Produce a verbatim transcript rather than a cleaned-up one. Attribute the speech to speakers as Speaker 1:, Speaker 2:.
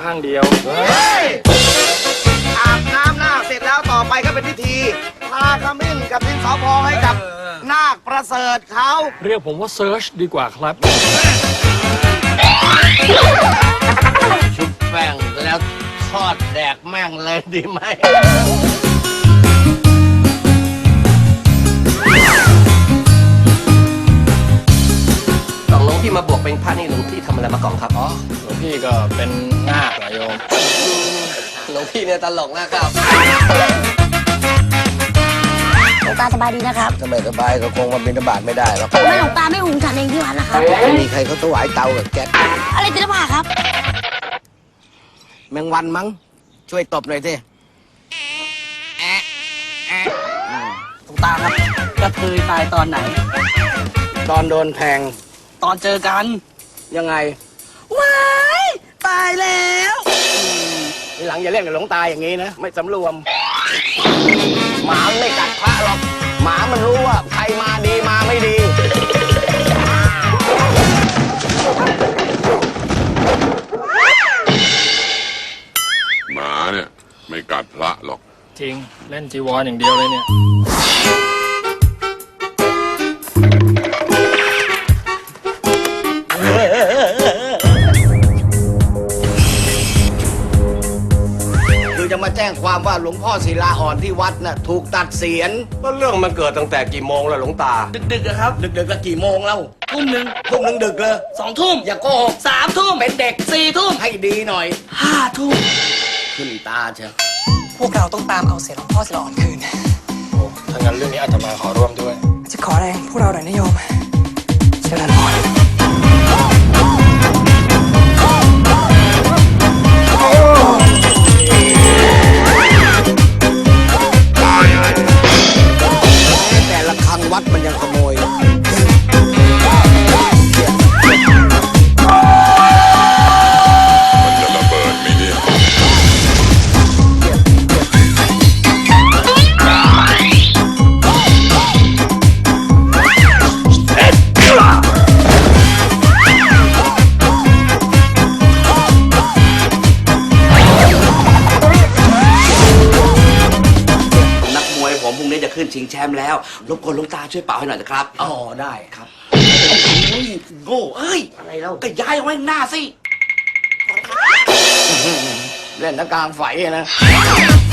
Speaker 1: ข้างเดียว
Speaker 2: อาบน้ำนาคเสร็จแล้วต่อไปก็เป็นพิธีพาขมิ้นกับดินสอพองให้กับนาคประเสริฐเขา
Speaker 1: เรียกผมว่าเซิร์ชดีกว่าครับ
Speaker 2: ชุบแป้งแล้วทอดแดกแม่งเลยดีไหมหลวงพี่มาบวกเป็นพระนี่หลวงพี่ทำอะไรมาก่อนครับอ๋อ
Speaker 1: หลวงพี่ก็เป็นนาคนะโยม
Speaker 2: หลวงพี่เนี่ยตลกนะครับ
Speaker 3: หลวงตาสบายดีนะครับ
Speaker 2: ทำไมสบายก็คงมาบิณฑบาตไม่ได้หรอก
Speaker 3: ทำไมหลวงตาไม่หุงฉันเองที่วัดล่ะครับ
Speaker 2: ไม่มีใครเขาถวายเตากับแก๊ส
Speaker 3: อะไรติดผ้าครับ
Speaker 2: แมงวันมั้งช่วยตบหน่อยสิ
Speaker 4: หลวงตาครับกระเทยตายตอนไหน
Speaker 2: ตอนโดนแทง
Speaker 4: ตอนเจอกัน
Speaker 2: ยังไง
Speaker 4: ว้ายตายแล้ว
Speaker 2: ทีหลังอย่าเล่นกับหลวงตาอย่างนี้นะไม่สำรวมหมาไม่กัดพระหรอกหมามันรู้ว่าใครมาดีมาไม่ดี
Speaker 5: หมาเนี่ยไม่กัดพระหรอก
Speaker 1: จริงเล่นจีวรอย่างเดียวเลยเนี่ย
Speaker 2: คือจะมาแจ้งความว่าหลวงพ่อศิลาอ่อนที่วัดน่ะถูกตัดเสียนก็เรื่องมันเกิดตั้งแต่กี่โมงแล้วหลวงตา
Speaker 4: ดึกๆอะครับ
Speaker 2: ดึกๆแล้วกี่โมงแล้ว
Speaker 4: ทุ่มหนึ่ง
Speaker 2: ทุ่มหนึ่งดึกเลย
Speaker 4: สองทุ่ม
Speaker 2: อย่าโกหก
Speaker 4: สามทุ่ม
Speaker 2: เป็นเด็ก
Speaker 4: สี่ทุ่ม
Speaker 2: ให้ดีหน่อย
Speaker 4: ห้าทุ่ม
Speaker 2: ขึ้นตาเชียว
Speaker 6: พวกเราต้องตามเอาเสียหลวงพ่อศิลาอ่อนคืน
Speaker 1: โอ้ถ้างั้นเรื่องนี้อาตมาขอร่วมด้วย
Speaker 6: จะขอแรงพวกเราหน่อยนะโยมเชิญพร
Speaker 2: แต่ละครั้งวัดมันยังขโมย
Speaker 5: มันจะระเบิดไหมเนี่ย
Speaker 7: นักมวยผมพรุ่งนี้จะขึ้นชิงแชมป์แล้วรบกวนหลวงตาช่วยเป่าให้หน่อยนะครับ
Speaker 2: อ๋อได้ครับ
Speaker 7: โอ้ยโง่เอ้ย
Speaker 2: อะไรแล้ว
Speaker 7: ก็ย้ายเอาไว้หน้าสิ
Speaker 2: เล่นตะกลางไฟอะนะ